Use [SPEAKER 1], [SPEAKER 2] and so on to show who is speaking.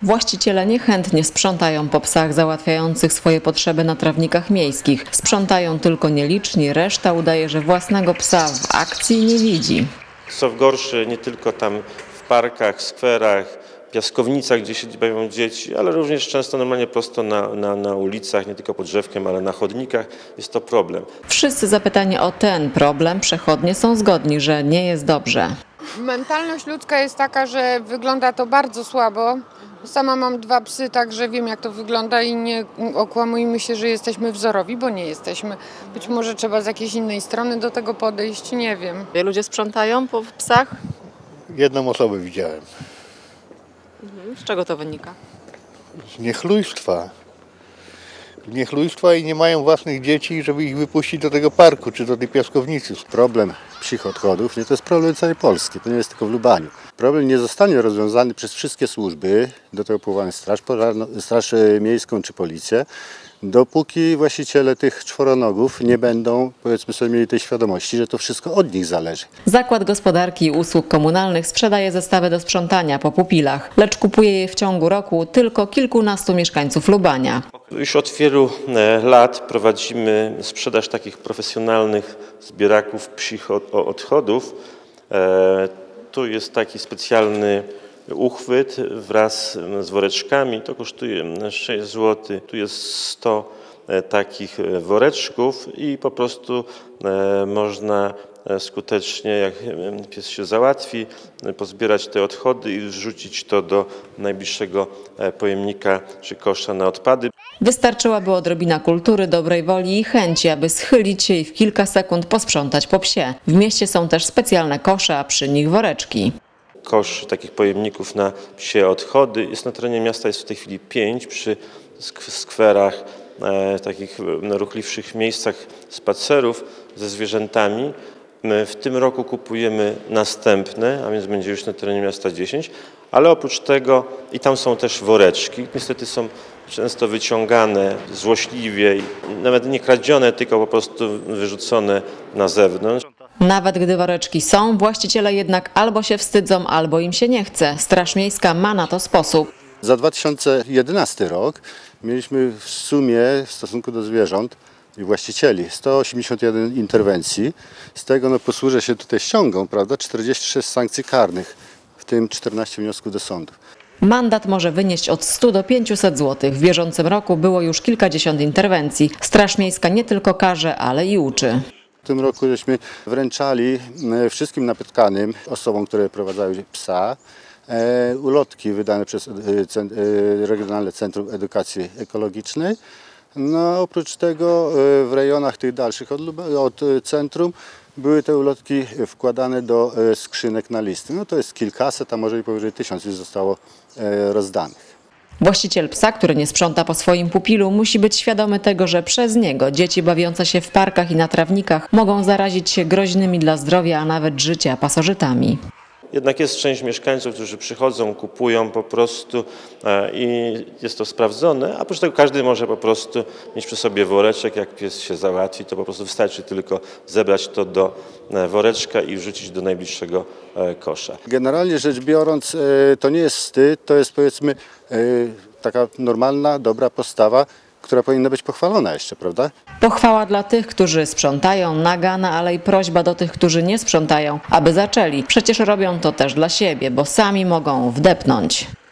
[SPEAKER 1] Właściciele niechętnie sprzątają po psach załatwiających swoje potrzeby na trawnikach miejskich. Sprzątają tylko nieliczni, reszta udaje, że własnego psa w akcji nie widzi.
[SPEAKER 2] Co gorsze, nie tylko tam w parkach, skwerach, piaskownicach, gdzie się bawią dzieci, ale również często normalnie prosto na ulicach, nie tylko pod drzewkiem, ale na chodnikach. Jest to problem.
[SPEAKER 1] Wszyscy zapytani o ten problem przechodnie są zgodni, że nie jest dobrze.
[SPEAKER 3] Mentalność ludzka jest taka, że wygląda to bardzo słabo. Sama mam 2 psy, także wiem, jak to wygląda i nie okłamujmy się, że jesteśmy wzorowi, bo nie jesteśmy. Być może trzeba z jakiejś innej strony do tego podejść, nie wiem.
[SPEAKER 1] Ludzie sprzątają po psach?
[SPEAKER 4] Jedną osobę widziałem.
[SPEAKER 1] Z czego to wynika?
[SPEAKER 4] Z niechlujstwa. I nie mają własnych dzieci, żeby ich wypuścić do tego parku czy do tej piaskownicy. Problem psich odchodów to jest problem całej Polski, to nie jest tylko w Lubaniu. Problem nie zostanie rozwiązany przez wszystkie służby, do tego powołane Straż Miejską czy Policję, dopóki właściciele tych czworonogów nie będą, powiedzmy sobie, mieli tej świadomości, że to wszystko od nich zależy.
[SPEAKER 1] Zakład Gospodarki i Usług Komunalnych sprzedaje zestawy do sprzątania po pupilach, lecz kupuje je w ciągu roku tylko kilkunastu mieszkańców Lubania.
[SPEAKER 2] Już od wielu lat prowadzimy sprzedaż takich profesjonalnych zbieraków psich odchodów. Tu jest taki specjalny uchwyt wraz z woreczkami, to kosztuje 6 zł. Tu jest 100 takich woreczków i po prostu można skutecznie, jak pies się załatwi, pozbierać te odchody i wrzucić to do najbliższego pojemnika czy kosza na odpady.
[SPEAKER 1] Wystarczyłaby odrobina kultury, dobrej woli i chęci, aby schylić się i w kilka sekund posprzątać po psie. W mieście są też specjalne kosze, a przy nich woreczki.
[SPEAKER 2] Kosz takich pojemników na psie odchody. Jest na terenie miasta, jest w tej chwili 5 przy skwerach, takich ruchliwszych miejscach spacerów ze zwierzętami. My w tym roku kupujemy następne, a więc będzie już na terenie miasta 10, ale oprócz tego i tam są też woreczki. Niestety są często wyciągane złośliwie, nawet nie kradzione, tylko po prostu wyrzucone na zewnątrz.
[SPEAKER 1] Nawet gdy woreczki są, właściciele jednak albo się wstydzą, albo im się nie chce. Straż Miejska ma na to sposób.
[SPEAKER 4] Za 2011 rok mieliśmy w sumie w stosunku do zwierząt i właścicieli 181 interwencji. Z tego posłużę się tutaj ściągą, prawda, 46 sankcji karnych, w tym 14 wniosków do sądów.
[SPEAKER 1] Mandat może wynieść od 100 do 500 zł. W bieżącym roku było już kilkadziesiąt interwencji. Straż Miejska nie tylko karze, ale i uczy.
[SPEAKER 4] W tym roku żeśmy wręczali wszystkim napotkanym osobom, które prowadzały psa, ulotki wydane przez Regionalne Centrum Edukacji Ekologicznej. No, oprócz tego w rejonach tych dalszych od centrum były te ulotki wkładane do skrzynek na listy. No to jest kilkaset, a może i powyżej 1000 już zostało rozdanych.
[SPEAKER 1] Właściciel psa, który nie sprząta po swoim pupilu, musi być świadomy tego, że przez niego dzieci bawiące się w parkach i na trawnikach mogą zarazić się groźnymi dla zdrowia, a nawet życia pasożytami.
[SPEAKER 2] Jednak jest część mieszkańców, którzy przychodzą, kupują po prostu i jest to sprawdzone, a oprócz tego każdy może po prostu mieć przy sobie woreczek, jak pies się załatwi, to po prostu wystarczy tylko zebrać to do woreczka i wrzucić do najbliższego kosza.
[SPEAKER 4] Generalnie rzecz biorąc, to nie jest wstyd, to jest, powiedzmy, taka normalna, dobra postawa, która powinna być pochwalona jeszcze, prawda?
[SPEAKER 1] Pochwała dla tych, którzy sprzątają, nagana, ale i prośba do tych, którzy nie sprzątają, aby zaczęli. Przecież robią to też dla siebie, bo sami mogą wdepnąć.